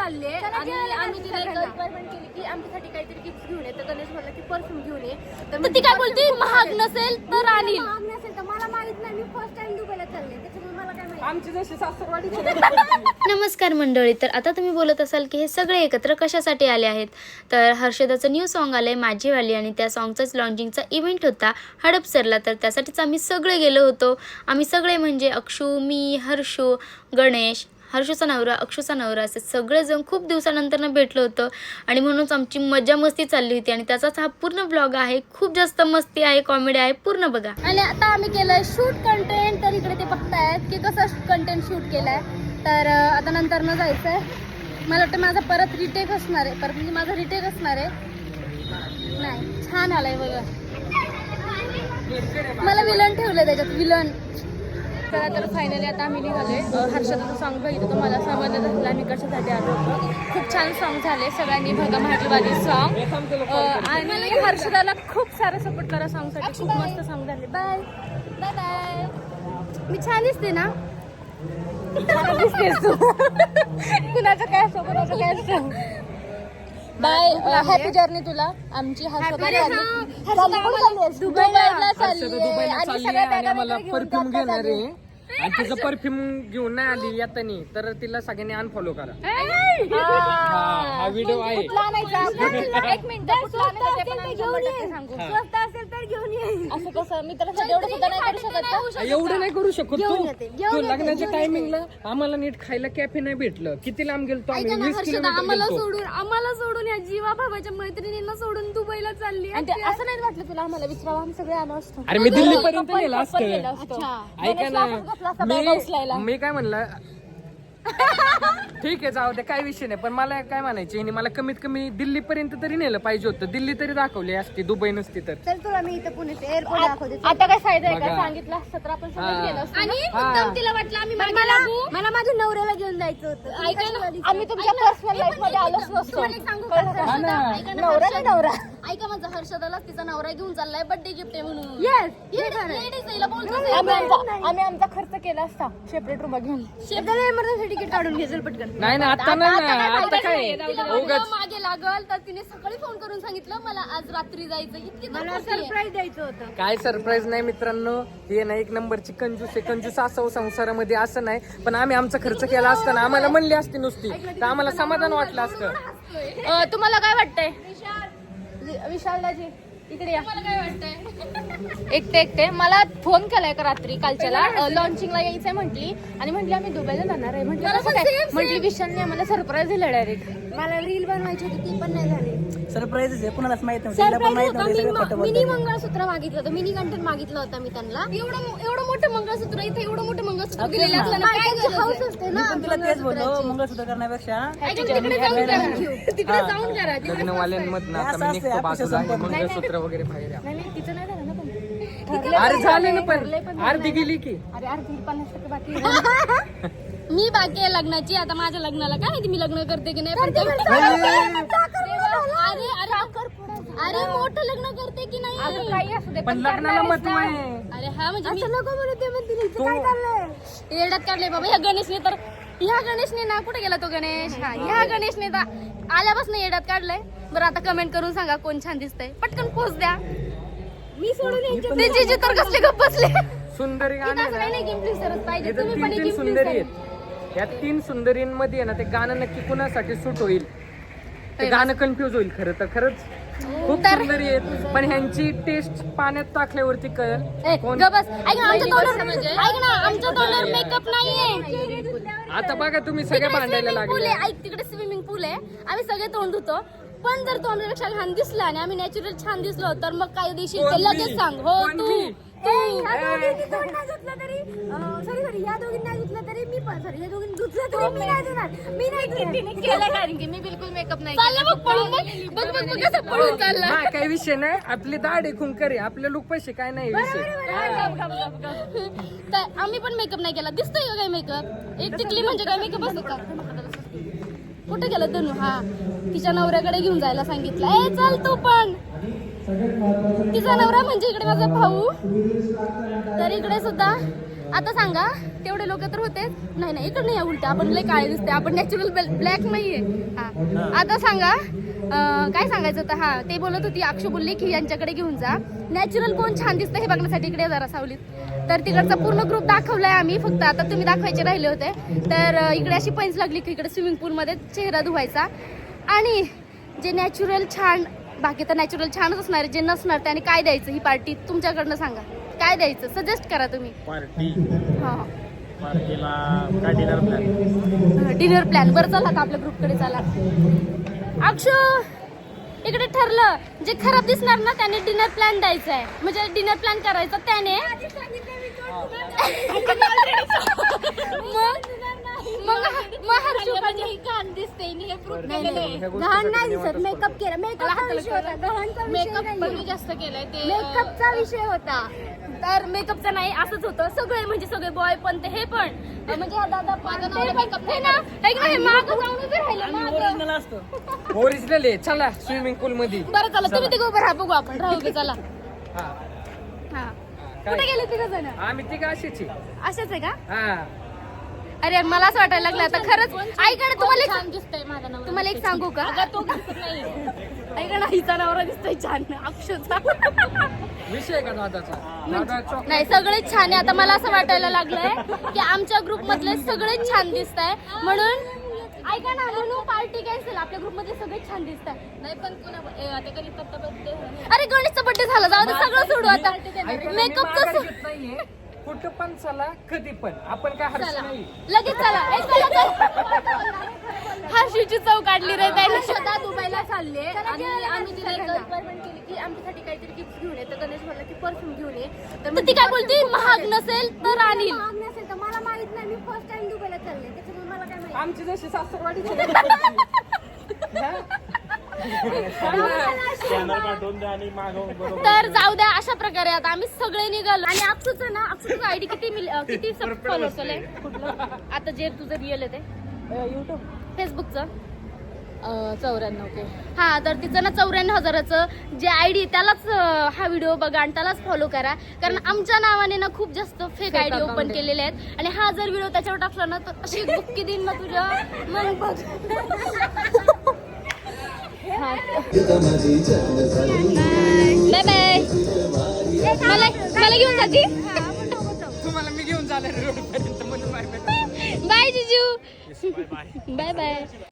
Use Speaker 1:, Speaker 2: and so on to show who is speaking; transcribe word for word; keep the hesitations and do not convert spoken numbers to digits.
Speaker 1: चालले आणि आम्ही तिला रिक्वायरमेंट केली की आमच्यासाठी काहीतरी गिफ्ट घेऊन ये. तर गणेश बोलला की परफ्यूम घेऊन ये. तर ती काय बोलते महाग नसेल तर आणील.
Speaker 2: महाग नसेल तर मला माहित नाही, मी फर्स्ट टाइम दुबईला चालले त्याच्यामुळे मला काय माहिती.
Speaker 3: आमची जशी सासरवाडी.
Speaker 4: नमस्कार मंडळी. तर आता तुम्ही बोलत असाल की हे सगळे एकत्र कशासाठी आले आहेत. तर हर्षदाचं न्यू सॉन्ग आलं आहे माझीवाली आणि त्या सॉन्गचाच लॉन्चिंगचा इव्हेंट होता हडपसरला. तर त्यासाठीच आम्ही सगळे गेलो होतो. आम्ही सगळे म्हणजे अक्षू, मी, हर्षू, गणेश, हर्षूचा नवरा, अक्षूचा नवरा असे सगळेजण खूप दिवसानंतर भेटलो होतो आणि म्हणूनच आमची मजा मस्ती चालली होती आणि त्याचाच हा पूर्ण ब्लॉग आहे. खूप जास्त मस्ती आहे, कॉमेडी आहे, पूर्ण बघा.
Speaker 1: आणि आता आम्ही केलंय शूट कंटेंट. तर इकडे ते बघतायत की कसं कंटेंट शूट केलाय. तर आता नंतर न जायचंय. मला वाटतं माझा परत रिटेक असणार आहे. परत म्हणजे माझा रिटेक असणार आहे. नाही छान आलाय बघा. मला विलन ठेवलंय त्याच्यात, विलन. चला तर फायनली आता आम्ही निघालोय. हर्षदाचं सॉन्ग बघितलं तर मला समजलं झालं आम्ही कशासाठी आलो होतो. खूप छान सॉन्ग झाले. सगळ्यांनी बघा माझीवाली सॉन्ग. आणि हर्षदाला खूप सारा सपोर्ट करा सॉन्गसाठी. खूप मस्त सॉन्ग झाले. Bye bye bye. मी छान दिसते ना? दिसतेस तू. कुणाचं काय असतो कुणाचं काय असतं. बाय. हॅपी जर्नी तुला. आमची हर्षदा दुबईला चालली आणि सगळ्या बॅगा
Speaker 3: मला परफ्यूम घेणार आहे आणि तिचं परफ्यूम घेऊन नाही आली येतानी तर तिला सगळ्यांनी अनफॉलो करा. हा व्हिडिओ आहे.
Speaker 1: एक मिनिट
Speaker 2: स्वस्त असेल तर घेऊन ये.
Speaker 1: असं कसं मी त्याला एवढं सुद्धा नाही करू शकत का?
Speaker 3: एवढं नाही करू शकत तू. तू लग्नाच्या टायमिंगला आम्हाला नीट खायला कॅफे नाही भेटलं. किती लांब गेलतो आम्ही. वीस किलोमीटर
Speaker 2: आम्हाला
Speaker 3: गेलतो.
Speaker 2: सोडून आम्हाला सोडून या जीवा भावाच्या मैत्रिणींना सोडून दुबईला चालली.
Speaker 1: आणि ते असं नाही वाटलं तुला आम्हाला विचारावं आम्ही सगळे आलो असतो.
Speaker 3: अरे मी दिल्ली पर्यंत नेलं असतं.
Speaker 1: अच्छा
Speaker 3: ऐका ना मी मी काय म्हणलं ठीक आहे जाऊ दे काही विषय नाही. पण मला काय म्हणायचे हिने मला कमीत कमी दिल्ली पर्यंत तरी नेलं पाहिजे होतं. दिल्ली तरी दाखवली असती, दुबई नसती तर.
Speaker 2: चल तुला मी इथं पुण्यात एअरपोर्ट दाखवते.
Speaker 1: आता काय फायदा आहे का?
Speaker 3: बघा.
Speaker 1: सांगितलं असतं तर आपण
Speaker 3: हा.
Speaker 1: सगळं गेलो असतो.
Speaker 2: आणि
Speaker 3: हा.
Speaker 2: मुद्दाम तिला वाटलं आम्ही मागे लागू. मला माझ्या नवऱ्याला घेऊन जायचं होतं.
Speaker 1: ऐका ना, आम्ही तुमच्या पर्सनल लाईफ मध्ये आलोच नसतो.
Speaker 3: हा ना.
Speaker 1: नवरा ना नवरा. ऐका माझा हर्षदाला तिचा नवरा घेऊन चाललाय बर्थडे गिफ्ट आहे म्हणून.
Speaker 2: येस
Speaker 1: आम्ही आमचा आम्ही आमचा खर्च केला असता सेपरेट रूम घेऊन.
Speaker 2: शेताला इमर्जन्सी तिकीट काढून घेजल पटकन.
Speaker 3: नाही ना आता नाही ना आता काय उगाच
Speaker 1: मागे लागल तर तिने सकाळी फोन करून सांगितलं मला आज रात्री जायचं. इतकी
Speaker 2: मला सरप्राईज द्यायचं होतं.
Speaker 3: काय सरप्राईज नाही मित्रांनो. हे ना एक नंबरची कंजूस आहे. कंजूस असावं संसारामध्ये असं नाही. पण आम्ही आमचा खर्च केला असताना आम्हाला म्हणली असती नुसती तर आम्हाला समाधान वाटलं असतं.
Speaker 1: तुम्हाला काय वाटतंय विशालदाजी इकडे या. मला काय वाटतंय एकटे एकटे मला फोन केलाय का रात्री कालच्याला लॉन्चिंगला यायचंय म्हटली आणि म्हटली आम्ही दुबईला जाणार आहे. म्हटलं कसं काय? म्हटली विशालने आम्हाला सरप्राईज दिलं डायरेक्ट.
Speaker 2: मला रील बनवायची होती ती पण नाही झाली.
Speaker 5: सरप्राईज आहे कुणालाच माहित नव्हतं. तिला पण माहित नव्हतं सगळं खोटं
Speaker 2: मिनी
Speaker 5: बोलतोय.
Speaker 2: मंगळसूत्र मागितलं होतं. मिनी कंटेंट मागितलं होतं मी त्यांना. एवढं एवढं मोठं मंगळसूत्र इथे एवढं मोठं मंगळसूत्र दिलेलं असलं ना काय गरज आहे? असते
Speaker 5: मी
Speaker 2: ना
Speaker 5: पण तिला तेच बोललो मंगळसूत्र करण्यापेक्षा
Speaker 2: तिकडे जाऊन करा. तिकडे जाऊन करा.
Speaker 3: लग्नवाल्यांमधनं आता मी निघतो बाजूला हे मंगळसूत्र वगैरे बाहेर या.
Speaker 1: नाही नाही तिचं नाही झालं ना पण.
Speaker 3: अरे झाले ना पण अर्धी गेली की.
Speaker 1: अरे अर्धी पन्नास टक्के बाकी आहे. मी बाकी आहे लग्नाची. आता माझ्या लग्नाला काय माहिती मी लग्न करते की नाही. पण ते- अरे अरे अरे मोठं लग्न करते की नाही काही असू दे
Speaker 3: पण लग्नाला महत्व आहे.
Speaker 1: अरे हा म्हणजे मी
Speaker 2: नको म्हणू ते म्हणते हिचं
Speaker 3: तो-
Speaker 2: काय चाललंय.
Speaker 1: येड्यात काढले बाबा ह्या गणेशने तर. ह्या गणेशने ना कुठे गेला तो गणेश. हा ह्या गणेशने तर आल्यापासून येड्यात काढलंय. बरं आता कमेंट करून सांगा कोण छान दिसतंय. पटकन पोच द्या.
Speaker 2: मी सोडून यांच्या
Speaker 1: ते जिजे तर कसले गप्प बसले.
Speaker 3: सुंदरी गाणं
Speaker 1: असं काही नाही की इन्फ्लुएन्सरच पाहिजे.
Speaker 3: इथं
Speaker 1: तुम्ही
Speaker 3: तीन
Speaker 1: पण
Speaker 3: तीन
Speaker 1: एक
Speaker 3: सुंदरी आहेत. या तीन सुंदरींमध्ये आहे ना ते गाणं नक्की कुणासाठी सूट होईल ते गाणं कन्फ्युज होईल. खरं तर खरंच खूप सुंदरी आहेत पण ह्यांची टेस्ट पाण्यात टाकल्यावरती कळेल कोण.
Speaker 1: बस ऐक ना आमच्या तोंडावर ऐक ना आमच्या तोंडावर मेकअप नाहीये.
Speaker 3: आता बघा तुम्ही सगळे भांडायला
Speaker 1: पूल
Speaker 3: लागले.
Speaker 1: आहे. ऐक तिकडे स्विमिंग पूल आहे. आम्ही सगळे तोंड धुतो. पण जर तोंडापेक्षा छान दिसला आणि आम्ही नॅचरल छान दिसलो तर मग काय देशील ते लगेच सांग. हो तू
Speaker 2: ह्या दोघींनी तोंड नाही धुतलं तरी सॉरी सॉरी या दोघींनी नाही धुतलं तरी मी पण सॉरी या दोघींनी धुतलं तरी मी नाही धुणार. मी नाही धुणार.
Speaker 1: केलं कारण की मी बिलकुल मेकअप नाही चाललं बघ पळून बघ बघ बघ बघ कसं पळून चालला.
Speaker 3: हा काही विषय नाही. आपली दाढ आहे खुंकर आहे. आपले लोक पैसे काय नाही विषय.
Speaker 1: तर आम्ही पण मेकअप नाही केला. दिसतोय का काय मेकअप. एक टिकली म्हणजे काय मेकअप असतो का. कुठे गेलं धनू. हा तिच्या नवऱ्याकडे घेऊन जायला सांगितलं. ए चाल तू पण. तिचा नवरा म्हणजे इकडे माझा भाऊ. तर इकडे सुद्धा आता सांगा तेवढे लोक तर होते नाही नाही इकडे नाही या उलट्या आपण लय काळे दिसते आपण नॅचरल ब्लॅक नाहीये हा आता सांगा अं, काय सांगायचं होतं हा ते बोलत होती अक्षू बोलली की यांच्याकडे घेऊन जा नॅचरल कोण छान दिसतं हे बघण्यासाठी इकडे जरा सावलीत तर तिकडचा पूर्ण ग्रुप दाखवलाय आम्ही फक्त आता तुम्ही दाखवायचे राहिले होते तर अं, इकडे अशी पैंच लागली की इकडे स्विमिंग पूलमध्ये चेहरा धुवायचा आणि जे नॅचरल छान बाकी तर नॅचरल छानच असणार जे नसणार त्याने काय द्यायचं ही पार्टी तुमच्याकडनं सांगा काय द्यायचं सजेस्ट करा तुम्ही
Speaker 6: पार्टी
Speaker 1: हा
Speaker 6: पार्टीला काय डिनर प्लॅन
Speaker 1: डिनर प्लॅन बरं चला आता आपल्या ग्रुपकडे चला अक्षू इकडे ठरलं जे खराब दिसणार ना त्याने डिनर प्लॅन द्यायचा आहे म्हणजे डिनर प्लॅन करायचा त्याने मग मग मग हर्षू
Speaker 2: ही घाण दिसते आणि हे fruit
Speaker 3: नाही,
Speaker 2: केलेलं
Speaker 3: नाही, ह्या
Speaker 2: आहे.
Speaker 3: गोष्टी
Speaker 2: घाण नाही
Speaker 3: सगळ्यांनी
Speaker 2: दिसत
Speaker 3: वाटत
Speaker 2: मेकअप केला मेकअपचा विषय होता घाणचा विषय
Speaker 1: मेकअप पण मी
Speaker 2: नाही
Speaker 1: जास्त केलाय ते
Speaker 2: मेकअपचा विषय होता
Speaker 1: तर मेकअपचा नाही असंच होतं सगळे म्हणजे सगळे बॉय पण ते हे पण म्हणजे हा दादा पण ते पण हे ना ऐक ना हे मागं जाऊन उभे राहिले मागं
Speaker 5: ओरिजिनल असतो
Speaker 3: ओरिजिनल आहे चला स्विमिंग पूल मध्ये
Speaker 1: बरं चला तुम्ही तिघं उभे राहा बघू आपण राहू दे चला
Speaker 3: हा
Speaker 1: हा
Speaker 3: काय?
Speaker 1: कुठे गेले तिघ जण
Speaker 3: आम्ही तिघ अशीच आहे.
Speaker 1: असेच आहे का
Speaker 3: हा
Speaker 1: अरे मला असं वाटायला लागलं आता खरंच ऐका ना तुम्हाला छान दिसतंय माझा नवरा तुम्हाला एक सांगू का तो ऐका ना हिचा नवरा दिसतोय छान अक्षूचा
Speaker 3: विषय आहे का दादाचा दादा चॉक
Speaker 1: नाही सगळेच छान आहे आता मला असं वाटायला लागलंय की आमच्या ग्रुप मधले सगळेच छान दिसत आहे म्हणून ऐका ना म्हणून पार्टी कॅन्सल आपल्या ग्रुप मध्ये सगळेच छान दिसत आहे नाही पण अरे गणेशचा बर्थडे झाला जाऊ दे सगळं सोडू आता मेकअपचं
Speaker 3: नाहीये कुठं पण चला कधी पण आपण काय हरस नाही
Speaker 1: लगेच चला ए, चला, चला. हर्षीची चव काढली रे त्याने
Speaker 2: स्वतः दुबईला चालले
Speaker 1: आणि आम्ही तिला एक
Speaker 2: रिक्वायरमेंट केली की आमच्यासाठी काहीतरी गिफ्ट घेऊन ये तर गणेश म्हणला की परफ्यूम घेऊन ये
Speaker 1: तर ती काय बोलती महाग नसेल तर आणील
Speaker 2: महाग नसेल तर मला माहित नाही मी फर्स्ट टाइम दुबईला चालले त्याच्यामुळे मला काय माहिती
Speaker 3: आमची जशी सासरवाडी
Speaker 6: स्कॅनर पाठवून द्या आणि मागवून बरोबर
Speaker 1: तर जाऊ द्या अशा प्रकारे आता आम्ही सगळे निघालो आणि अक्षूचं ना अक्षूचं आयडी किती मिल अं, किती फॉलोअर्स आले कुठलं आता जे तुझं रिअल आहे ते युट्यूब फेसबुकचं चौऱ्याण्णव के हा तर तिचं ना चौऱ्याण्णव हजाराचं जे आय डी त्यालाच अं, हा व्हिडिओ बघा आणि त्यालाच फॉलो करा कारण आमच्या नावाने ना खूप जास्त fake I D
Speaker 3: account
Speaker 1: open
Speaker 3: आहे.
Speaker 1: केलेले आहेत आणि हा जर व्हिडिओ त्याच्यावर टाकला ना तर अशी बुक्की देईन ना तुझ्या मग बघ बाय बाय मला मला घेऊन जाती
Speaker 3: तुम्हाला मी घेऊन जाणार रोड पर्यंत म्हणून
Speaker 1: बाय जिजू बाय बाय